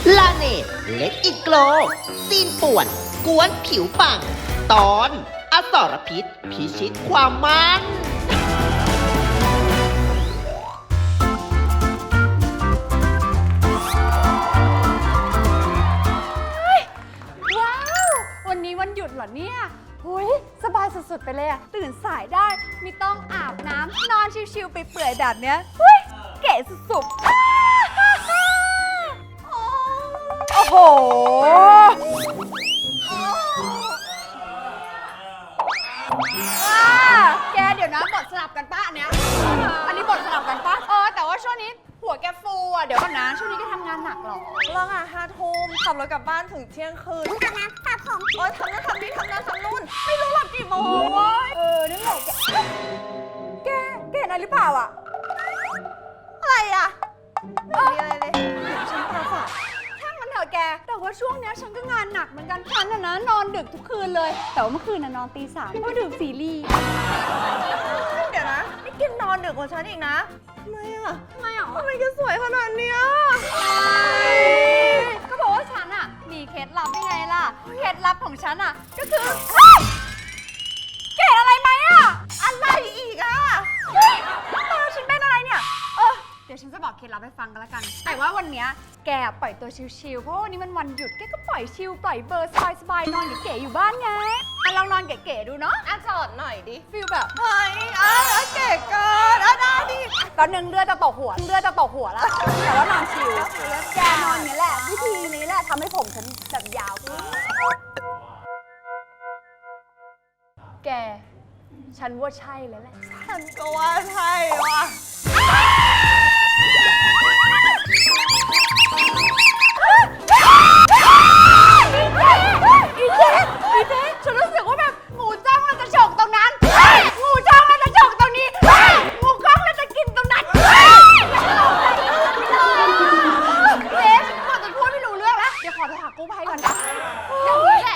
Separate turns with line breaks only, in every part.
ลาเนตเล็กอีกโกลซีนป่วนกวนผิวปัง ตอนอสรพิษพิชิตความมัน
ว้าววันนี้วันหยุดเหรอเนี่ยหุยสบายสุดๆไปเลยอะตื่นสายได้ไม่ต้องอาบน้ำนอนชิวๆไปเปื่อยแบบเนี้ยหุยเก๋สุดๆโอ้โหแกเดี๋ยวนะบทสลับกันป้ะอันเนี้ยอันนี้บทสลับกันป้ะแต่ว่าช่วงนี้หัวแกฟูอ่ะเดี๋ยวก่อนนะช่วงนี้แกทำงานหนักหรอ
เลิก5 ทุ่มขับรถกลับบ้านถึงเที่ยงคืนอาบน้ำสระผมทำนั่นทำนี่ทำนั่นทำนู่นไม่รู้หลับกี่โมงวะ
นั่นแหละแกเห็นอะไรหรือเปล่าอ่ะ
อะไรอ่ะไม่มีอะไรเลยฉันตาฝาด
ช่างมันเถอะแก แต่ว่าช่วงเนี้ยฉันก็งานหนักเหมือนกันฉันนะนอนดึกทุกคืนเลย แต่ว่าเมื่อคืนน่ะนอนตี 3เพราะดูซีรีส์
เดี๋ยวนะนี่กินนอนดึกกว่าฉันอีกนะทำไมอ่ะ
ทำไมอ่ะ
ทำไมแกสวยขนาดเนี้ย
ก็บอกว่าฉันอ่ะมีเคล็ดลับยังไงล่ะ เคล็ดลับของฉันอ่ะก็คือแกเห็นอะไรไหมอ่ะ
อะไรอีกอ่ะ
เฮ้ยตาฉันเป็นอะไรเนี่ย เดี๋ยวฉันจะบอกเคล็ดลับให้ฟังกันละกัน แต่ว่าวันเนี้ยแกปล่อยตัวชิลๆ เพราะว่าวันนี้มันวันหยุด แกก็ปล่อยชิลปล่อยเบอร์สบายๆ นอนเก๋ๆ อยู่บ้านไงลองนอนเก๋ๆ ดูเนาะ
จอดหน่อยดิ
ฟีลแบบ
เฮ้ยเก๋เกินได้ดิ
ตอนนึงเลือดจะตกหัวแล้ว แต่ว่านอนชิลแกนอนอย่างนี้แหละ วิธีนี้แหละทำให้ผมฉันแบบยาวขึ้นแก ฉันว่าใช่แล้วแหละ
ฉันก็ว่าใช่ว่ะ
อีเจ๊ฉันรู้สึกว่าแบบงูจ้องแล้วจะฉกตรงนั้นงูจ้องแล้วจะฉกตรงนี้งูกล้องแล้วจะกินตรงนั้นเจ๊ฉันกลัวจนพูดไม่รู้เรื่องแล้วเดี๋ยวขอไปหากู้ภัยก่อนนะอย่างนี้แหละ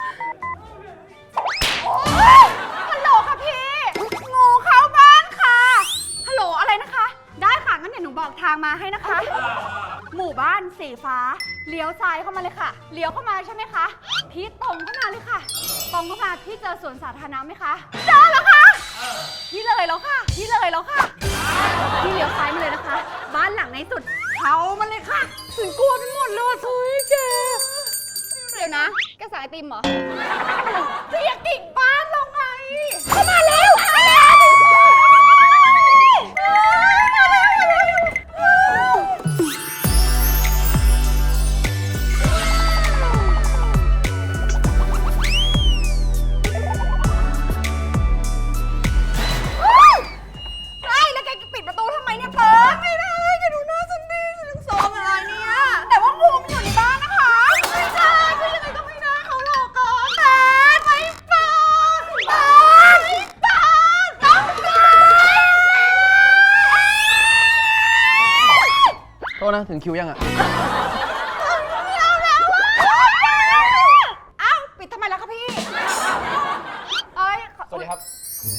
ฮัลโหลค่ะพี่งูเข้าบ้านค่ะฮัลโหลอะไรนะคะได้ค่ะงั้นเดี๋ยวหนูบอกทางมาให้นะคะ หมู่บ้านสีฟ้าเลี้ยวซ้ายเข้ามาเลยค่ะเลี้ยวเข้ามาใช่ไหมคะพี่ตรงเข้ามาเลยค่ะตรงเข้ามาพี่เจอสวนสาธารณะไหมคะเจอแล้วค่ะพี่เลยแล้วค่ะพี่เลี้ยวซ้ายมาเลยนะคะ บ้านหลังในสุดเขามันเลยค่ะถึงกลัวไปหมดเลยเฮ้ยแกเดี๋ยวนะแกสั่งไอติมเหรอจะอยากกิ่งบ้านลงไงเข้ามาแล้ว
ถึงคิวยังอ่ะ
อ้าวปิดทำไมล่ะคะพี่เอ้ย
สวัสดีครับ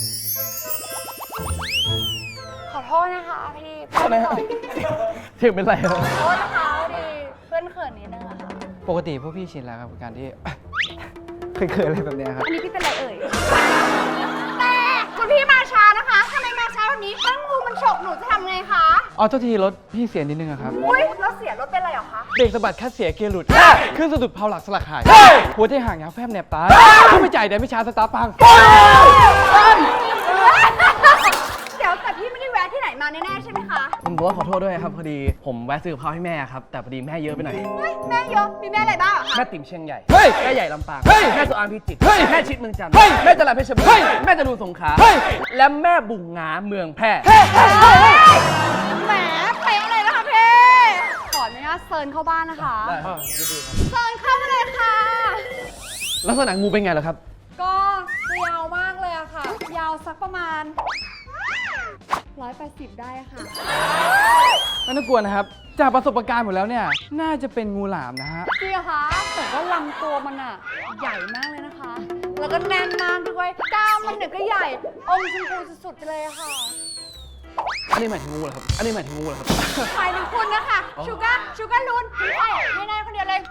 ขอโทษนะคะพี่
อะไรฮะถึงเป็นไรครับ
ขอโทษนะคะดิเพื่อนเขินนิดนึงอะค่ะ
ปกติพวกพี่ชินแล้วครับกับการที่ เคยอะไรแบบเนี้ยครับ
อันนี้พี่เป็นไรเอ่ยแต่คุณพี่มาช้านะคะทำไมมาช้าแบบนี้ถ้างูมันฉกหนูจะทำไงคะ
อ๋อเจ้าทีรถพี่เสียนิดนึงอะครับ
อุ้ยแล้วเสียรถเป็นไรเหรอคะ
เบรกสะบัดคัดเสียเกียร์หลุด ขึ้นสะดุดเพาหลักสลักหาย หัวใจห่างยาวแฟบแนบตาถ้าไม่จ่ายเดี๋ยวไม่ช้าสตาร์พัง
เดี๋ยวแต่พี่ไม่ได้แวะที่ไหนมาแน่ๆใช่ไหมคะ
ผมบอกว่าขอโทษด้วยครับพอดีผมแวะซื้อกับข้าวให้แม่ครับแต่พอดีแม่เยอะไปหน่อย
เฮ้ยแม่เยอะมีแม่อะไรบ้างอะคะ
แม่ติ๋มเชียงใหญ่
เฮ้ย
แม่ใหญ่ลำปาง
เฮ้ย
แม่สุอานพิจิตร
เฮ้ย
แม่ชิดเมืองจันทร์
เฮ้ย
แม่จรัญเพชรบูร
เฮ้ย
ณ์แม่จรูนสงขลา
เฮ้ย
และแม่บุงงาเมืองแพร่
แหมเป๊ะเลยนะคะพี่ขออนุญาตเซิร์นเข้าบ้านนะคะ
ได้ครับดีๆครับ
เซิร์นเข้ามาเลยค่ะ
ลักษณะงูเป็นไงเหรอครับ
ก็ยาวมากเลยอะค่ะ ยาวสักประมาณ 180 ได้ค่ะ
ไม่ต้องกลัวนะครับ จากประสบการณ์หมดแล้วเนี่ย น่าจะเป็นงูหลามนะฮะ
จริงเหรอคะแต่ว่าลำตัวมันอะใหญ่มากเลยนะคะ แล้วก็แน่นมากด้วยกล้ามมันเนี่ยก็ใหญ่อมชมพูสุดๆไปเลยอะค่ะ
อันนี้หมายถึงงูเหรอครับ อันนี้หมายถึงงูเหรอครับ
หมายถึงคุณนะคะชูการ์ลูนไม่ได้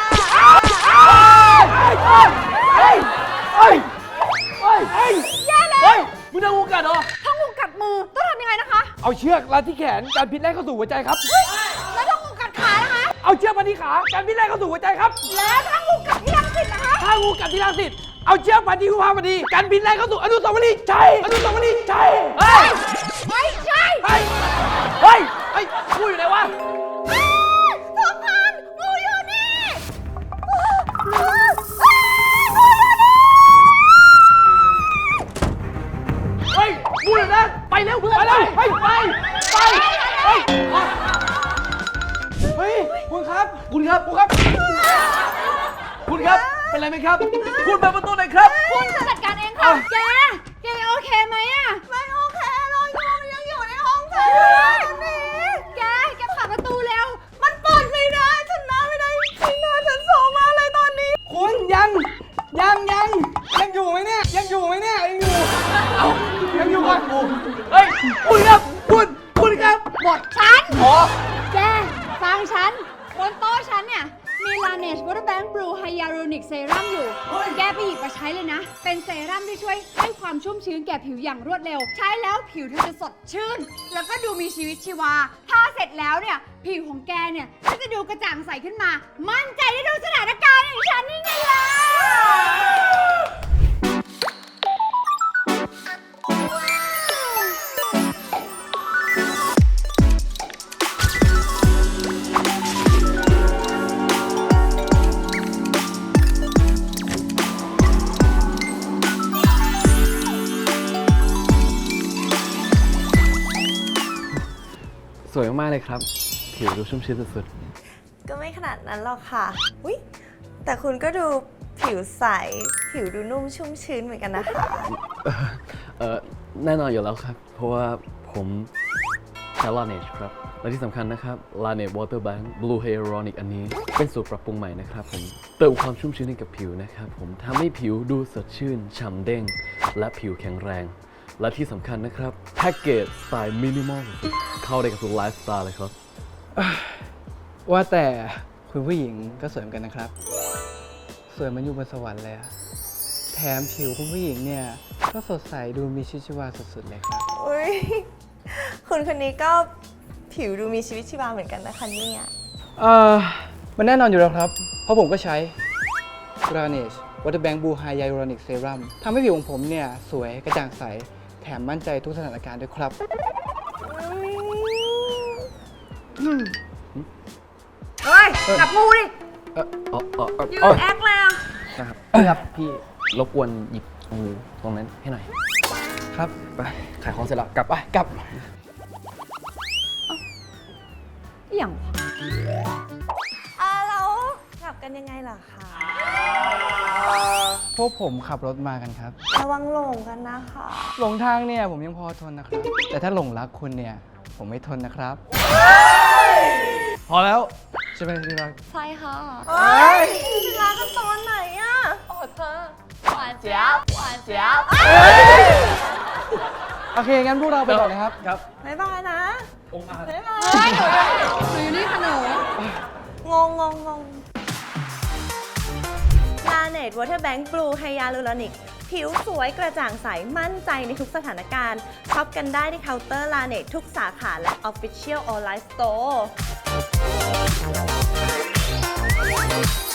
แย่แล้ว
เฮ้ยมึงทำงูกัดเหรอ
ถ้างูกัดมือต้องทำยังไงนะคะ
เอาเชือกรัดที่แขนการพิษแล่นเข้าสู่หัวใจครับ
แล้วถ้างูกัดขานะคะ
เอาเชือกมาที่ขาการพิษแล่นเข้าสู่หัวใจครับ
แล้วถ้างูกัดที่รังสิตนะคะ
ถ้างูกัดที่รังสิตเอาเชือกมาที่กุภาพดีการพิษแล่นเข้าสู่อนุสาวรีย์ชัยอนุสาวรีย์ชัยเฮ้ย
ไม่ใช่
เฮ้ยเฮ้ยเฮ้ยงูอยู่ไหนวะ
ทุกคนงูอยู่นี่
เฮ้ยงูอยู่นั่นไปเร็วไปเร็วไปเฮ้ยเฮ้ยคุณครับคุณครับคุณครับคุณครับเป็นไรไหมครับคุณเปิดประตูหน่อยครับ
คุณจะจัดการเองค่ะ แกโอเคไหมอะ
ไม่โอเคเลยงูมันยังอยู่ในห้องเธอตอนนี้
แกเปิดประตูเร็ว
มันเปิดไม่ได้ฉันน้าไม่ได้จริงนะฉันโซมากเลยตอนนี้
คุณยังอยู่ไหมเนี่ยยังอยู่ไหมเนี่ยยังอยู่เอ้ายังอยู่ก่อนเฮ้ยคุณครับคุณครับ
บทฉัน
อ๋อ
แกฟังฉันบนโต๊ะฉันเนี่ยมี Laneige Water Bank Blue Hyaluronic Serum อยู่ แกไปหยิบมาใช้เลยนะ เป็นเซรั่มที่ช่วยให้ความชุ่มชื้นแก่ผิวอย่างรวดเร็ว ใช้แล้วผิวเธอจะสดชื่น แล้วก็ดูมีชีวิตชีวา ถ้าเสร็จแล้วเนี่ย ผิวของแกเนี่ยก็จะดูกระจ่างใสขึ้นมา มั่นใจได้ดูสถานการณ์อย่างฉันนี่ไงล่ะ
สวยมากๆเลยครับ ผิวดูชุ่มชื้นสุด
ก็ไม่ขนาดนั้นหรอกค่ะอุ๊ยแต่คุณก็ดูผิวใส ผิวดูนุ่มชุ่มชื้นเหมือนกันนะคะ
แน่นอนอยู่แล้วครับ เพราะว่าผมใช้ Laneige ครับ และที่สำคัญนะครับ Laneige Water Bank Blue Hyaluronic อันนี้เป็นสูตรปรับปรุงใหม่นะครับผมเติมความชุ่มชื้นให้กับผิวนะครับผมทำให้ผิวดูสดชื่น ฉ่ำเด้ง และผิวแข็งแรง และที่สำคัญนะครับแพ็กเกจสไตล์มินิมอลสุดๆเข้าได้กับทุกไลฟ์สไตล์เลยครับ
ว่าแต่คุณผู้หญิงก็สวยเหมือนกันนะครับ สวยเหมันอยู่บนสวรรค์เลยอะแถมผิวคุณผู้หญิงเนี่ยก็สดใสดูมีชีวิตชีวาสุดๆเลยครับ
อุ๊ยคุณคนนี้ก็ผิวดูมีชีวิตชีวาเหมือนกันนะคะเนี่ย
มันแน่นอนอยู่แล้วครับ เพราะผมก็ใช้ Laneige Water Bank Blue Hyaluronic Serum ทำให้ผิวของผมเนี่ยสวยกระจ่างใส แถมมั่นใจทุกสถานการณ์ด้วยครับ
เฮ้ย จับงูดิ ยืนแอคเลยอ่ะ
ครับพี่
รบกวนหยิบงูตรงนั้นให้หน่อย
ครับ
ไป ขายของเสร็จแล้ว กลับไป
กลับ
อย่าง
แล้วกลับกันยังไงล่ะคะ
พวกผมขับรถมากันครับ
ระวังหลงกันนะคะ
หลงทางเนี่ยผมยังพอทนนะครับ แต่ถ้าหลงรักคุณเนี่ยผมไม่ทนนะครับ พอแล้วใช่ไหมที่รัก
ใช่ค่ะเฮ้ยรักกันตอนไหนอะโอ้เธอหวานเจี๊ยบหวานเจี๊ยบ
โอเค งั้นพวกเราไปก่อนนะครับ ครับ
บ๊ายบายนะบ๊ายบาย
เฮ้ยหนูอยู่นี่ค่ะหนู
งงLaneige Water Bank Blue Hyaluronic ผิวสวยกระจ่างใส มั่นใจในทุกสถานการณ์ช็อปกันได้ที่เคาน์เตอร์ Laneige ทุกสาขาและ Official Online Store